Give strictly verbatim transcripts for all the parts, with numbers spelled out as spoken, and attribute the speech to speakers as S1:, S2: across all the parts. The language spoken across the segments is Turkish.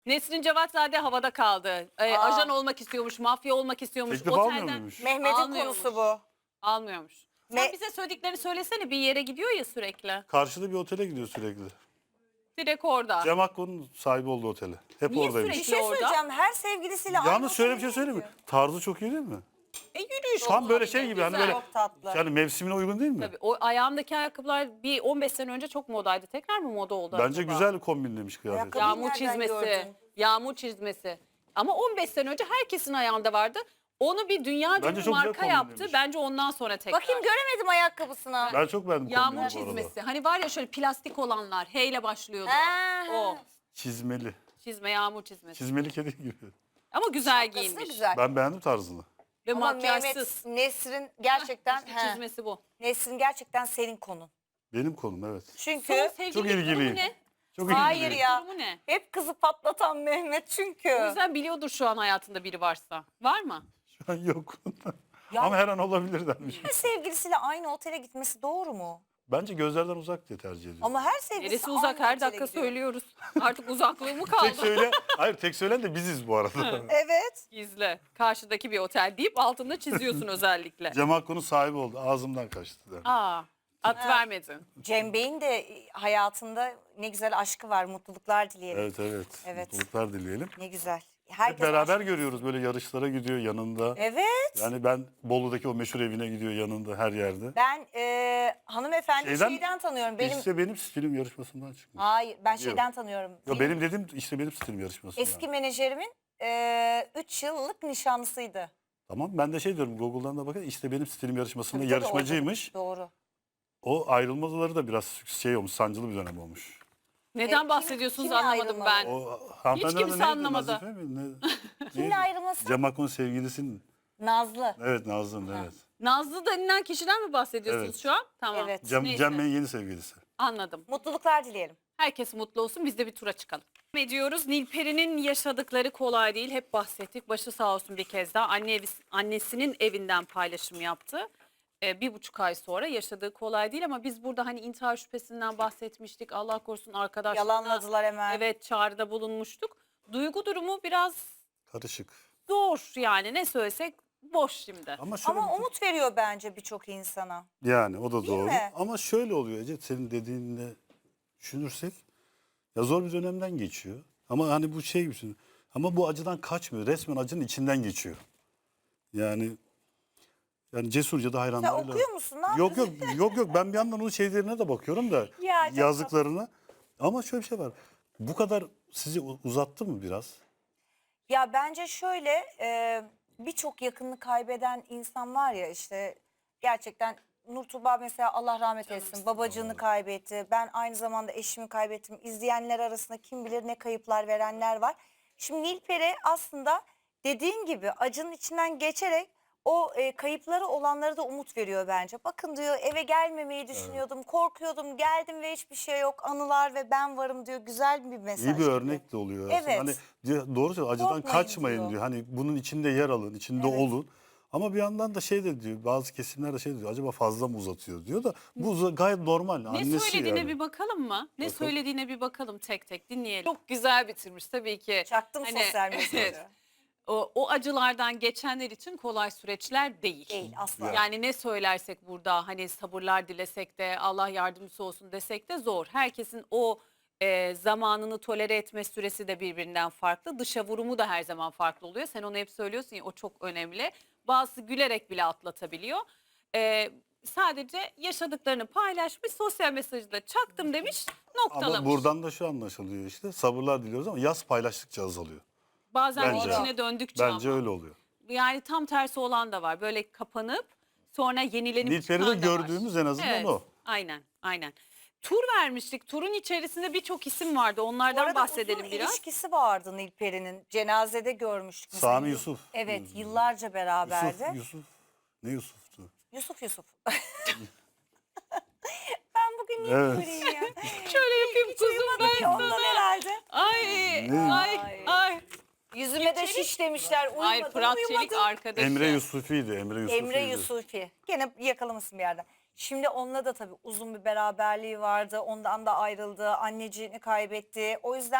S1: Nesrin Cevatzade havada kaldı. Ee,
S2: Aa.
S1: ajan olmak istiyormuş, mafya olmak istiyormuş.
S3: Teklif almıyor
S1: Otelden
S3: muymuş?
S2: Mehmet'in
S1: Almıyormuş.
S2: konusu bu.
S1: almıyormuş. Sen
S2: Me-
S1: bize söylediklerini söylesene, bir yere gidiyor ya sürekli.
S3: Karşıda bir otele gidiyor sürekli.
S1: Direkt orada.
S3: Cem Akko'nun sahibi olduğu otele. Hep
S1: Niye
S3: oradaymış.
S2: Bir
S1: sürekli-
S2: şey
S1: orada.
S2: söyleyeceğim. Her sevgilisiyle aynı
S3: Yalnız şöyle bir
S2: otele
S3: şey söyleyeyim mi?
S2: gidiyor.
S3: Tarzı çok iyi değil mi?
S1: E yürüyüş
S3: Tam böyle
S1: olabilir,
S3: şey gibi hani
S1: güzel.
S3: böyle
S2: Çok tatlı.
S3: yani mevsimine uygun değil mi?
S1: Tabii, o ayağımdaki ayakkabılar bir on beş sene önce çok modaydı. Tekrar mı moda oldu
S3: Bence
S1: acaba?
S3: güzel kombinlemiş kıyafet.
S2: Ayakkabı-
S1: Yağmur
S2: Nereden
S1: çizmesi.
S2: gördün?
S1: Yağmur çizmesi. Ama on beş sene önce herkesin ayağında vardı. Onu bir dünya
S3: Bence
S1: bir
S3: çok güzel
S1: marka yaptı.
S3: kombinlemiş.
S1: Bence ondan sonra tekrar.
S2: Bakayım göremedim ayakkabısını.
S3: Ben çok beğendim
S1: Yağmur
S3: kombini bu arada.
S1: çizmesi. Hani var ya şöyle plastik olanlar. H ile başlıyordu.
S2: Ha,
S1: O.
S3: Çizmeli.
S1: Çizme, yağmur çizmesi.
S3: Çizmeli kedi gibi.
S1: Ama güzel
S2: Şapkası da
S1: giyinmiş.
S2: güzel.
S3: Ben beğendim tarzını.
S1: Ve
S2: Ama
S1: makyajsız.
S2: Mehmet, Nesrin gerçekten
S1: İşte
S2: he,
S1: çizmesi bu.
S2: Nesrin gerçekten senin konun.
S3: Benim konum evet.
S2: Çünkü
S1: Son sevgililik
S3: Çok ilgiliyim.
S1: durumu ne?
S3: Çok
S2: hayır
S3: ilgiliyim.
S2: ya.
S1: Durumu ne?
S2: Hep kızı patlatan Mehmet çünkü.
S1: O yüzden biliyordur şu an hayatında biri varsa. Var mı?
S3: Şu an yok.
S2: Ya-
S3: Ama her an olabilir denmiş.
S2: Her sevgilisiyle aynı otele gitmesi doğru mu?
S3: Bence gözlerden uzak diye tercih ediyorum.
S2: Ama her sevgilisi
S1: Neresi uzak,
S2: aynı
S1: her
S2: otele
S1: dakika
S2: gidiyor.
S1: söylüyoruz. Artık uzaklığı mı
S3: Tek
S1: kaldı?
S3: söyle, hayır tek söylen de biziz bu arada.
S2: Evet.
S1: Gizle. Karşıdaki bir otel deyip altında çiziyorsun özellikle.
S3: Cem Akko'nun sahibi oldu. Ağzımdan kaçtı. der.
S1: Aa, at
S2: Ha.
S1: vermedin.
S2: Cem Bey'in de hayatında ne güzel aşkı var. Mutluluklar dileyelim.
S3: Evet evet.
S2: Evet.
S3: Mutluluklar dileyelim.
S2: Ne güzel.
S3: Hep
S2: Herkes
S3: beraber
S2: aşk-
S3: görüyoruz böyle yarışlara gidiyor yanında.
S2: Evet.
S3: Yani ben Bolu'daki o meşhur evine gidiyor yanında her yerde.
S2: Ben e, hanımefendi
S3: Şeyden-
S2: şeyden, tanıyorum. Benim
S3: İşte benim stilim yarışmasından çıkmış.
S2: Hayır, ben
S3: Yok.
S2: şeyden tanıyorum.
S3: Yo,
S2: Benim
S3: benim dedim işte benim stilim yarışmasından.
S2: eski menajerimin üç yıllık nişanlısıydı.
S3: Tamam ben de şey diyorum Google'dan da bakın işte benim stilim yarışmasında
S2: Tabii, tabii,
S3: yarışmacıymış.
S2: orada. Doğru.
S3: O ayrılmaları da biraz şey olmuş sancılı bir dönem olmuş.
S1: Neden
S2: kim-
S1: bahsediyorsunuz
S2: kimle
S1: anlamadım
S2: ayrılmadı?
S1: ben.
S3: O hanımefendi
S1: kimse
S3: adı neydi?
S1: anlamadı.
S3: Nazife mi? Ne,
S2: Kimle
S3: neydi?
S2: ayrılması?
S3: Cem Akko'nun sevgilisinin.
S2: Nazlı.
S3: Evet Nazlı'nın evet.
S1: Nazlı denilen kişiden mi bahsediyorsunuz
S3: Evet.
S1: şu an? Tamam.
S2: Evet.
S3: Cem,
S1: Neyse.
S3: Cem Bey'in yeni sevgilisi.
S1: Anladım.
S2: Mutluluklar dileyelim.
S1: Herkes mutlu olsun, biz de bir tura çıkalım. Ediyoruz. Nilperi'nin yaşadıkları kolay değil. Hep bahsettik. Başı sağ olsun bir kez daha. Anne evi, annesinin evinden paylaşım yaptı. Ee, bir buçuk ay sonra yaşadığı kolay değil ama biz burada hani intihar şüphesinden bahsetmiştik. Allah korusun arkadaşlarına.
S2: Yalanladılar hemen.
S1: Evet, çağrıda bulunmuştuk. Duygu durumu biraz
S3: Karışık.
S1: zor yani, ne söylesek boş şimdi.
S3: Ama şöyle
S2: Ama
S3: bir-
S2: umut veriyor bence birçok insana.
S3: yani o da doğru.
S2: mi?
S3: Ama şöyle oluyor Ece senin dediğinle düşünürsek ya zor bir dönemden geçiyor. Ama hani bu şey gibi ama bu acıdan kaçmıyor. Resmen acının içinden geçiyor. Yani yani cesurca da
S2: Sen
S3: hayranlarıyla.
S2: okuyor musun? Ne
S3: Yok yok
S2: yapıyorsun?
S3: yok yok ben bir yandan onun şeylerine de bakıyorum da
S2: Ya, çok
S3: yazdıklarına. Ama şöyle bir şey var. Bu kadar sizi u- uzattı mı biraz?
S2: Ya bence şöyle e, birçok yakınını kaybeden insan var ya işte gerçekten Nur Tuğba mesela Allah rahmet eylesin babacığını kaybetti. Ben aynı zamanda eşimi kaybettim. İzleyenler arasında kim bilir ne kayıplar verenler var. Şimdi Nilperi aslında dediğin gibi acının içinden geçerek o e, kayıpları olanlara da umut veriyor bence. Bakın diyor eve gelmemeyi düşünüyordum, korkuyordum, geldim ve hiçbir şey yok. Anılar ve ben varım diyor. Güzel bir mesaj.
S3: İyi bir
S2: gibi.
S3: örnek de oluyor aslında.
S2: Evet.
S3: Hani diyor- doğru söylüyor acıdan
S2: Korkmayın
S3: kaçmayın
S2: diyor.
S3: diyor. Hani bunun içinde yer alın, içinde
S2: Evet.
S3: olun. Ama bir yandan da şey de diyor bazı kesimler de şey diyor acaba fazla mı uzatıyor diyor da bu uza- gayet normal.
S1: Ne
S3: Annesi
S1: söylediğine
S3: yani.
S1: bir bakalım mı? Ne
S3: Bakalım.
S1: söylediğine bir bakalım, tek tek dinleyelim. Çok güzel bitirmiş tabii ki.
S2: Çaktım
S1: Hani,
S2: sosyal medyada.
S1: evet. O, o acılardan geçenler için kolay süreçler değil.
S2: Değil asla.
S1: Yani ne söylersek burada hani sabırlar dilesek de Allah yardımcısı olsun desek de zor. Herkesin o e, zamanını tolere etme süresi de birbirinden farklı. Dışa vurumu da her zaman farklı oluyor. Sen onu hep söylüyorsun ya, o çok önemli. Bazısı gülerek bile atlatabiliyor. E, sadece yaşadıklarını paylaşmış, sosyal mesajı da çaktım demiş, noktalamış.
S3: Ama buradan da şu anlaşılıyor işte sabırlar diliyoruz ama yaz paylaştıkça azalıyor.
S1: Bazen
S3: Bence.
S1: içine döndükçe
S3: Bence
S1: ama.
S3: öyle oluyor.
S1: Yani tam tersi olan da var. Böyle kapanıp sonra yenilenip
S3: Nilperi'de
S1: çıkan da var.
S3: gördüğümüz en azından
S1: Evet,
S3: o.
S1: aynen, aynen. Tur vermiştik. Turun içerisinde birçok isim vardı.
S2: Bu
S1: Onlardan
S2: arada
S1: bahsedelim
S2: uzun
S1: biraz.
S2: ilişkisi vardı Nilperi'nin. Cenazede görmüştük. mesela.
S3: Sami Yusuf.
S2: Evet yıllarca beraberdi.
S3: Yusuf, Yusuf. Ne Yusuf'tu?
S2: Yusuf Yusuf. Ben bugün niye
S3: Evet.
S2: böyleyim ya?
S1: Şöyle yapayım kuzum ben
S2: Ondan
S1: sana.
S2: herhalde.
S1: Ay,
S3: Ne?
S1: ay, ay.
S2: Yüzüme de şiş demişler. Uyumadım,
S1: Ay, Fırat Çelik
S2: uyumadım.
S1: arkadaşı.
S3: Emre Yusufi'ydi. Emre Yusufi'ydi.
S2: Emre Yusufi. Gene yakalamışsın bir yerden. Şimdi onunla da tabii uzun bir beraberliği vardı. Ondan da ayrıldı. Anneciğini kaybetti. O yüzden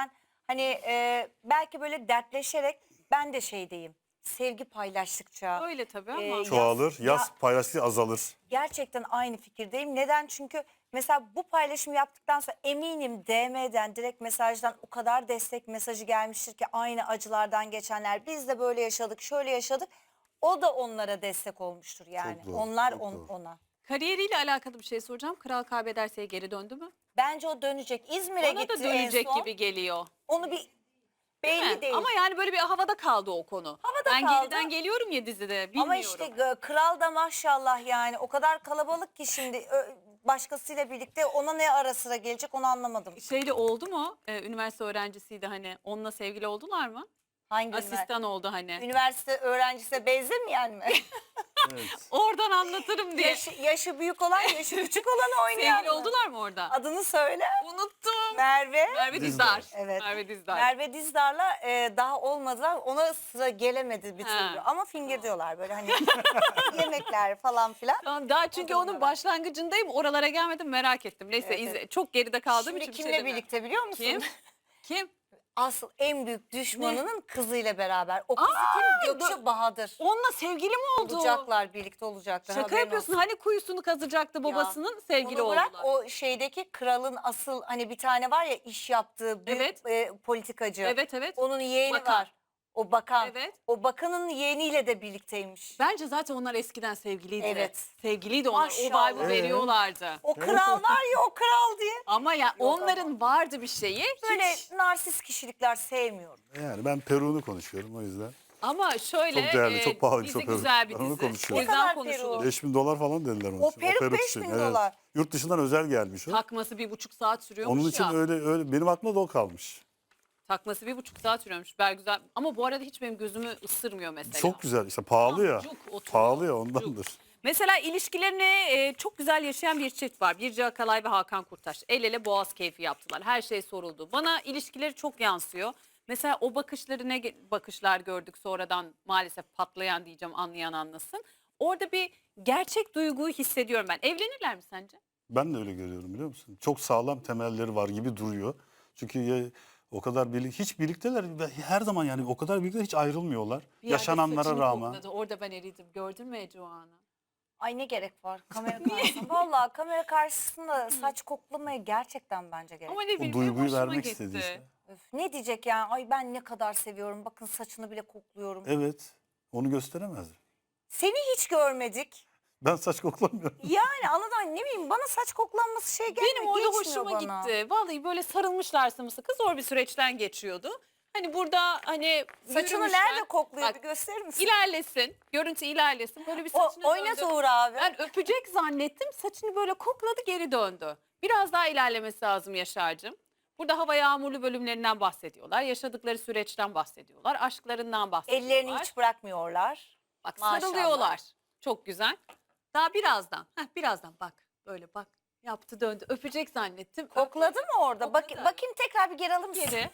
S2: Hani e, belki böyle dertleşerek ben de şey diyeyim. Sevgi paylaştıkça
S1: Öyle tabii ama.
S2: Ee,
S3: Çoğalır,
S2: Ya-
S3: yaz paylaştığı azalır.
S2: gerçekten aynı fikirdeyim. Neden? Çünkü mesela bu paylaşımı yaptıktan sonra eminim D M'den, direkt mesajdan o kadar destek mesajı gelmiştir ki aynı acılardan geçenler. Biz de böyle yaşadık, şöyle yaşadık. O da onlara destek olmuştur yani.
S3: doğru,
S2: Onlar
S3: çok
S2: on-
S3: doğru.
S2: ona.
S1: Kariyeriyle alakalı bir şey soracağım. Kral Kaybederse'ye geri döndü mü?
S2: Bence o dönecek. İzmir'e
S1: Ona
S2: gitti
S1: da dönecek
S2: en son.
S1: gibi geliyor.
S2: Onu bir
S1: Değil
S2: belli
S1: mi?
S2: değil.
S1: Ama yani böyle bir havada kaldı o konu.
S2: Havada
S1: ben
S2: kaldı.
S1: geriden geliyorum ya dizide. Bilmiyorum.
S2: Ama işte e, kral da maşallah yani o kadar kalabalık ki şimdi ö, başkasıyla birlikte ona ne ara sıra gelecek onu anlamadım.
S1: Şeyle oldu mu? Ee, üniversite öğrencisiydi hani. Onunla sevgili oldular mı?
S2: Hangi üniversite?
S1: Asistan oldu hani.
S2: Üniversite öğrencisine benzemeyen mi?
S3: Evet.
S1: Oradan anlatırım diye.
S2: yaşı, yaşı büyük olan, yaşı küçük olanı oynayan
S1: Sevgili
S2: mı?
S1: oldular mı orada?
S2: Adını söyle.
S1: Unuttum.
S2: Merve.
S1: Merve
S3: Dizdar.
S1: Dizdar.
S2: Evet.
S1: Merve Dizdar.
S2: Merve Dizdar'la e, daha olmadılar. Ona sıra gelemedi bir
S1: Ha.
S2: türlü. Ama finger diyorlar böyle hani yemekler falan filan.
S1: Tamam, daha çünkü
S2: da
S1: onun
S2: bunlara.
S1: başlangıcındayım. Oralara gelmedim, merak ettim. Neyse
S2: Evet,
S1: izle-
S2: evet.
S1: çok geride kaldığım
S2: Şimdi
S1: için bir şey
S2: kimle
S1: demiyorum.
S2: birlikte biliyor musun?
S1: Kim? Kim?
S2: Asıl en büyük düşmanının kızıyla beraber. O kız
S1: Aa,
S2: kim? Gökçe Bahadır.
S1: Onunla sevgili mi oldu?
S2: Olacaklar, birlikte olacaklar.
S1: Şaka
S2: haberin
S1: yapıyorsun.
S2: olsun.
S1: Hani kuyusunu kazıcaktı babasının, sevgili
S2: Onu bırak,
S1: oldular.
S2: o şeydeki kralın asıl hani bir tane var ya iş yaptığı büyük
S1: Evet.
S2: e, politikacı.
S1: Evet evet.
S2: Onun yeğeni
S1: Bakan.
S2: var. O bakan.
S1: Evet.
S2: O bakanın yeğeniyle de birlikteymiş.
S1: Bence zaten onlar eskiden sevgiliydi.
S2: Evet.
S1: Sevgiliydi onlar.
S2: Maşallah.
S1: O vibe'ı
S3: Ee?
S1: veriyorlardı.
S2: O kral var ya o kral diye.
S1: Ama ya
S2: ama.
S1: onların vardı bir şeyi.
S2: Böyle
S1: Hiç.
S2: narsist kişilikler sevmiyorum.
S3: Yani ben Peru'nu konuşuyorum o yüzden.
S1: Ama şöyle
S3: Çok değerli,
S1: e,
S3: çok pahalı bir
S1: dizi
S3: çok Peru.
S1: güzel bir
S3: Ben onu
S1: dizi. O
S3: konuşuyorum.
S2: Ne
S1: yüzden
S2: kadar
S1: konuşulur.
S2: Peru?
S3: beş bin dolar falan dediler onun
S2: O
S3: için.
S2: peruk beş
S3: için,
S2: bin
S3: evet.
S2: dolar.
S3: Yurt dışından özel gelmiş o.
S1: Takması bir buçuk saat sürüyormuş
S3: Onun için
S1: ya.
S3: öyle öyle benim aklımda da o kalmış.
S1: Takması bir buçuk saat sürüyormuş. Ben güzel. Ama bu arada hiç benim gözümü ısırmıyor mesela.
S3: Çok güzel işte pahalı ya.
S1: Cuk oturuyor,
S3: Pahalı ya
S1: cuk.
S3: ondandır.
S1: Mesela ilişkilerini e, çok güzel yaşayan bir çift var. Birce Akalay ve Hakan Kurtaş. El ele boğaz keyfi yaptılar. Her şey soruldu. Bana ilişkileri çok yansıyor. Mesela o bakışları ne ge- bakışlar gördük sonradan, maalesef patlayan diyeceğim, anlayan anlasın. Orada bir gerçek duyguyu hissediyorum ben. Evlenirler mi sence?
S3: Ben de öyle görüyorum biliyor musun? Çok sağlam temelleri var gibi duruyor. Çünkü ya, o kadar birlik hiç birlikteler ve her zaman yani o kadar birlikte hiç ayrılmıyorlar.
S1: Bir yerde
S3: Yaşananlara
S1: saçını
S3: rağmen.
S1: kokladı. Orada ben eridim. Gördün mü Ece o anı?
S2: Ay ne gerek var kamera karşısında. Vallahi kamera karşısında saç koklamaya gerçekten bence gerek.
S1: Ama ne
S3: O
S1: bileyim,
S3: duyguyu
S1: hoşuma
S3: vermek
S1: gitti.
S3: istedi işte.
S2: Öf, ne diyecek yani? Ay ben ne kadar seviyorum. Bakın saçını bile kokluyorum.
S3: Evet. Onu gösteremez.
S2: Seni hiç görmedik.
S3: Ben saç koklamıyorum.
S2: Yani anladın, ne bileyim, bana saç koklanması şey gelmiyor.
S1: Benim orada
S2: geçmiyor
S1: hoşuma
S2: bana.
S1: gitti. Vallahi böyle sarılmışlar sımsıkı, zor bir süreçten geçiyordu. Hani burada hani
S2: Saçını
S1: yürümüşler.
S2: nerede kokluyor,
S1: Bak,
S2: bir gösterir misin?
S1: İlerlesin, görüntü ilerlesin. Böyle bir
S2: O,
S1: saçını
S2: oynat
S1: döndü.
S2: Uğur abi.
S1: Ben öpecek zannettim, saçını böyle kokladı, geri döndü. Biraz daha ilerlemesi lazım Yaşar'cığım. Burada hava yağmurlu bölümlerinden bahsediyorlar. Yaşadıkları süreçten bahsediyorlar. Aşklarından bahsediyorlar.
S2: Ellerini hiç bırakmıyorlar.
S1: Bak
S2: Maşallah.
S1: sarılıyorlar. Çok güzel. Daha birazdan. Heh, birazdan bak. Böyle bak. Yaptı döndü. Öpecek zannettim.
S2: Kokladı mı orada? Bak,
S1: Kokladı.
S2: bakayım tekrar bir geri alır mısın?
S1: Geri.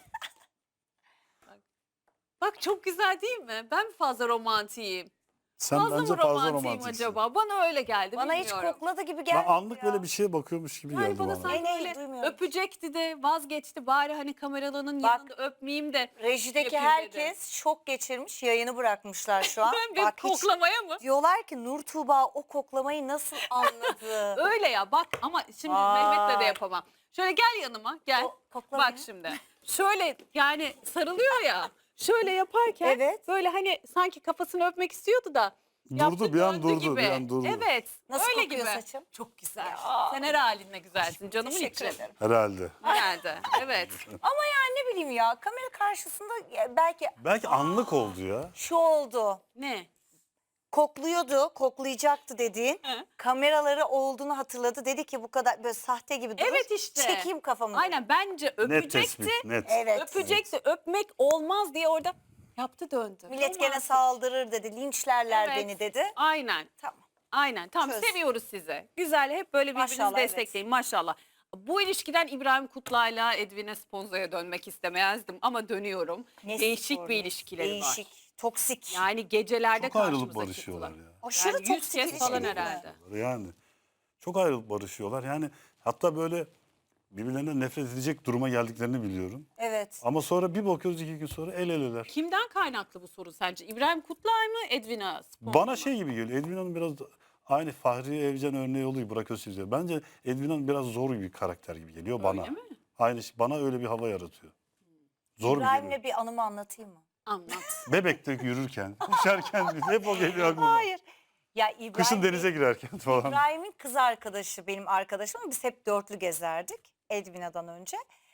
S1: Bak. Bak çok güzel değil mi? Ben mi fazla romantiyim?
S3: Sen
S1: Fazla
S3: bence
S1: mı
S3: fazla
S1: romantiyim
S3: romantiksin.
S1: acaba? Bana öyle geldi.
S2: Bana hiç
S1: bilmiyorum.
S2: kokladı gibi
S3: Ben
S2: gelmedi
S3: anlık
S2: ya.
S3: böyle bir şeye bakıyormuş gibi
S1: Yani
S3: geldi
S1: bana
S3: bana.
S1: sanki
S2: Ne, ne,
S1: böyle
S2: duymuyorum.
S1: öpecekti de vazgeçti. Bari hani kameraların
S2: Bak.
S1: yanında öpmeyeyim de.
S2: Rejideki
S1: yapayım
S2: herkes şok geçirmiş, yayını bırakmışlar şu an.
S1: Ben bir
S2: Bak hiç
S1: koklamaya mı?
S2: diyorlar ki Nur Tuğba o koklamayı nasıl anladı?
S1: Öyle ya bak, ama şimdi
S2: Vay.
S1: Mehmet'le de yapamam. Şöyle gel yanıma, gel.
S2: O- kokla
S1: Bak
S2: beni.
S1: şimdi. Şöyle yani sarılıyor ya. Şöyle yaparken
S2: Evet.
S1: böyle hani sanki kafasını öpmek istiyordu da.
S3: Durdu,
S1: yaptı,
S3: bir an
S1: döndü
S3: durdu,
S1: gibi.
S3: bir an durdu.
S1: Evet.
S2: Nasıl
S1: öyle
S2: kokuyor
S1: gibi.
S2: saçım?
S1: Çok güzel.
S2: Ya.
S1: Sen her halinle güzelsin canımın
S2: Teşekkür
S1: içi.
S2: ederim.
S3: Herhalde.
S1: Herhalde. Evet.
S2: Ama yani ne bileyim ya, kamera karşısında ya belki
S3: Belki anlık oldu ya.
S2: şu oldu.
S1: Ne?
S2: Kokluyordu, koklayacaktı dediğin.
S1: He.
S2: Kameraları olduğunu hatırladı. Dedi ki bu kadar böyle sahte gibi durur.
S1: Evet işte.
S2: Çekeyim kafamı.
S1: Aynen, bence
S3: Net
S1: öpecekti.
S3: tespit, net.
S2: Evet.
S1: Öpecekti. Öpmek olmaz diye orada yaptı, döndü.
S2: Millet gene
S1: Romantik.
S2: saldırır dedi, linçlerler
S1: Evet.
S2: beni dedi.
S1: Aynen.
S2: Tamam.
S1: Aynen. Tamam,
S2: Çöz.
S1: seviyoruz sizi. Güzel, hep böyle birbirinizi
S2: Maşallah, evet.
S1: destekleyin maşallah. Bu ilişkiden İbrahim Kutlay'la Edwin Esponza'ya dönmek istemezdim ama dönüyorum.
S2: Ne
S1: Değişik
S2: spor,
S1: bir
S2: ne-
S1: ilişkileri
S2: Değişik,
S1: var.
S2: toksik.
S1: Yani gecelerde
S3: Çok ayrılıp
S1: karşımıza
S3: barışıyorlar
S1: çıktılar.
S3: ya.
S2: Aşırı
S1: Yani yüz
S2: toksik
S1: kez falan
S2: ilişkiler.
S1: herhalde.
S3: Yani çok ayrılıp barışıyorlar. Yani hatta böyle birbirlerinden nefret edecek duruma geldiklerini biliyorum.
S2: Evet.
S3: Ama sonra bir bakıyoruz iki gün sonra el eleler.
S1: Kimden kaynaklı bu soru sence? İbrahim Kutlay mı, Edwina Sponza
S3: Bana
S1: mı?
S3: şey gibi geliyor. Edwina'nın biraz da- aynı Fahriye Evcen örneği oluyor Burak Özçivit. Bence Edwina'nın biraz zor bir karakter gibi geliyor bana.
S1: Öyle mi?
S3: Aynı şey- bana öyle bir hava yaratıyor. Zor bir
S2: İbrahim'le
S3: geliyor.
S2: bir anımı anlatayım mı?
S1: Anlat.
S3: Bebekte yürürken, koşarken hep o geliyor aklıma.
S2: Hayır. Ya İbrahim
S3: Kışın denize girerken falan.
S2: İbrahim'in kız arkadaşı benim arkadaşım ama biz hep dörtlü gezerdik Edwina'dan önce.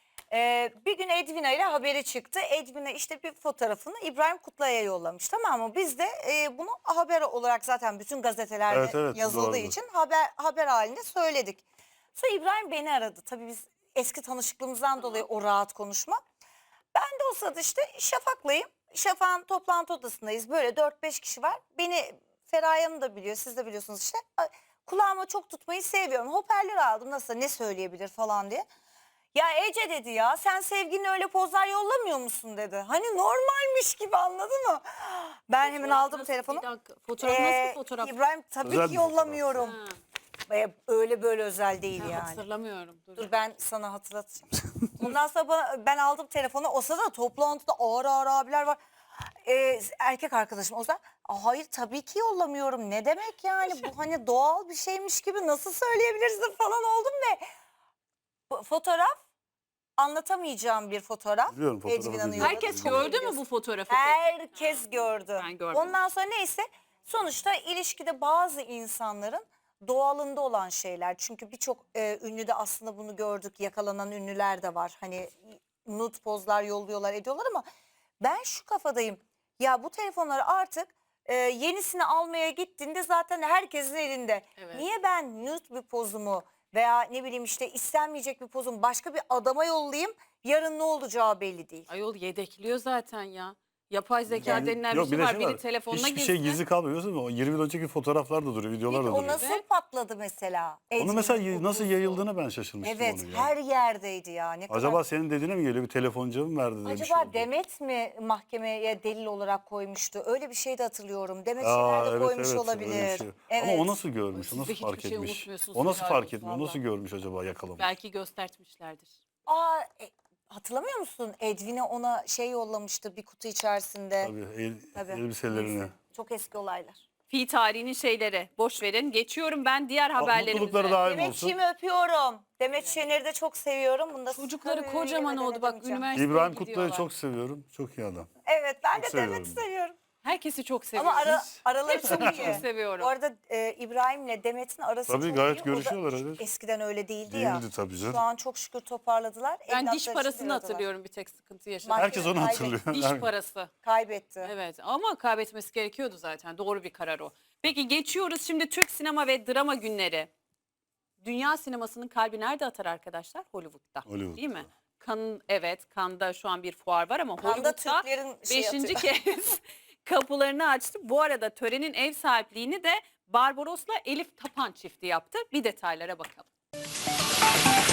S2: Ee, bir gün Edwina ile haberi çıktı. Edwina işte bir fotoğrafını İbrahim Kutlay'a yollamış, tamam mı? Biz de e, bunu haber olarak zaten bütün gazetelerde
S3: Evet, evet,
S2: yazıldığı
S3: doğrudur.
S2: için haber haber halinde söyledik. Sonra İbrahim beni aradı. Tabii biz eski tanışıklığımızdan dolayı o rahat konuşma. Ben de o sırada işte Şafak'layım. Şafak'ın toplantı odasındayız. Böyle dört beş kişi var. Beni Feraye Hanım da biliyor, siz de biliyorsunuz işte. Ay, kulağıma çok tutmayı seviyorum. Hoparlör aldım, nasıl, ne söyleyebilir falan diye. Ya Ece dedi, ya sen sevgiline öyle pozlar yollamıyor musun dedi. Hani normalmiş gibi, anladın mı? Ben hemen aldım
S1: Nasıl-
S2: telefonu.
S1: Bir dakika. Fotoğraf nasıl
S2: Ee,
S1: bir fotoğraf?
S2: İbrahim tabii
S3: Özel
S2: ki
S3: bir fotoğraf.
S2: yollamıyorum.
S1: Ha,
S2: Ee, Öyle böyle özel değil
S1: ben
S2: yani.
S1: hatırlamıyorum. Dur.
S2: Dur ben sana hatırlatacağım. Ondan sonra bana- ben aldım telefonu. O sırada toplantıda ağır ağır abiler var. Ee, erkek arkadaşım o zaman, "Aa, hayır tabii ki yollamıyorum. Ne demek yani, bu hani doğal bir şeymiş gibi nasıl söyleyebilirsin" falan oldum ve bu fotoğraf anlatamayacağım bir fotoğraf.
S3: Biliyorum, fotoğrafı
S2: Edwina'nın
S3: biliyorum.
S2: yolladığı.
S1: Herkes
S3: Çok
S1: gördü mü bu fotoğrafı?
S2: Herkes gördü.
S1: Ben görmedim.
S2: Ondan sonra neyse, sonuçta ilişkide bazı insanların doğalında olan şeyler. Çünkü birçok e, ünlü de aslında bunu gördük. Yakalanan ünlüler de var. Hani nude pozlar yolluyorlar, ediyorlar ama ben şu kafadayım. Ya bu telefonları artık e, yenisini almaya gittiğinde zaten herkesin elinde.
S1: Evet.
S2: Niye ben nude bir pozumu veya ne bileyim işte istenmeyecek bir pozumu başka bir adama yollayayım? Yarın ne olacağı belli değil.
S1: Ayol yedekliyor zaten ya. Yapay zeka
S3: Yani-
S1: denilen
S3: yok,
S1: bir şey
S3: de
S1: var. Biri telefonuna
S3: Hiçbir
S1: girsin.
S3: şey gizli kalmıyor. Değil mi? O yirmi yıl önceki fotoğraflar da duruyor, videolar da
S2: o
S3: duruyor.
S2: nasıl
S1: Evet.
S2: patladı mesela?
S3: Onu
S2: Edwin'in
S3: mesela y-
S2: kokusu.
S3: nasıl yayıldığına ben şaşırmıştım
S2: Evet,
S3: onu ya.
S2: her yerdeydi ya. Ne kadar...
S3: Acaba senin dediğine mi geliyor? Bir telefoncuya mı verdi? de bir şey
S2: Acaba
S3: oldu?
S2: Demet mi mahkemeye delil olarak koymuştu? Öyle bir şey de hatırlıyorum. Demet
S3: Aa,
S2: şeyler de
S3: evet,
S2: koymuş
S3: evet, öyle
S2: olabilir.
S3: bir şey.
S2: Evet.
S3: Ama o nasıl görmüş?
S1: Siz
S3: O
S1: de
S3: nasıl
S1: hiçbir
S3: fark
S1: şey
S3: etmiş?
S1: unutmuyorsunuz,
S3: O nasıl
S1: helal
S3: fark
S1: olsun
S3: etmiyor?
S1: valla.
S3: Nasıl görmüş acaba, yakalamış?
S1: Belki göstertmişlerdir.
S2: Aa, e, hatırlamıyor musun? Edwin'e ona şey yollamıştı bir kutu içerisinde.
S3: Tabii, el,
S2: Tabii.
S3: elbiselerini.
S2: Neyse, çok eski olaylar.
S1: Fi tarihinin şeyleri boş verin. Geçiyorum ben diğer haberlerimize.
S3: Mutlulukları daim olsun.
S2: Demetciğimi öpüyorum. Demet Şener'i de çok seviyorum. Bunu da
S1: Çocukları
S2: söyle
S1: kocaman oldu bak,
S2: demeyeceğim.
S1: üniversiteye
S3: İbrahim
S1: gidiyorlar.
S3: Kutlu'yu çok seviyorum. Çok iyi adam.
S2: Evet, ben
S3: Çok
S2: de Demet'i
S3: seviyorum.
S2: seviyorum.
S1: Herkesi çok seviyorum.
S2: Ama ara, araları çok
S1: Hepsini
S2: iyi.
S1: çok seviyorum.
S2: Bu arada e, İbrahim'le Demet'in arası
S3: Tabii,
S2: çok
S3: gayet
S2: iyi. O da
S3: görüşüyorlar, evet.
S2: eskiden öyle değildi, ya.
S3: Değildi tabii canım.
S2: Şu an çok şükür toparladılar.
S1: Ben
S2: Evlatları
S1: diş
S2: için
S1: parasını
S2: bir aradalar.
S1: hatırlıyorum, bir tek sıkıntı yaşadım.
S2: Mahkeme
S3: Herkes onu
S2: kaybetti.
S3: hatırlıyor.
S1: Diş parası.
S2: Kaybetti.
S1: Evet ama kaybetmesi gerekiyordu zaten. Doğru bir karar o. Peki geçiyoruz şimdi Türk sinema ve drama günleri. Dünya sinemasının kalbi nerede atar arkadaşlar? Hollywood'da.
S3: Hollywood'da.
S1: Değil mi? Kan, evet, Cannes'da şu an bir fuar var ama
S2: Cannes'da
S1: Hollywood'da
S2: Türklerin şey
S1: beşinci
S2: atıyor.
S1: kez kapılarını açtı. Bu arada törenin ev sahipliğini de Barbaros'la Elif Tapan çifti yaptı. Bir detaylara bakalım.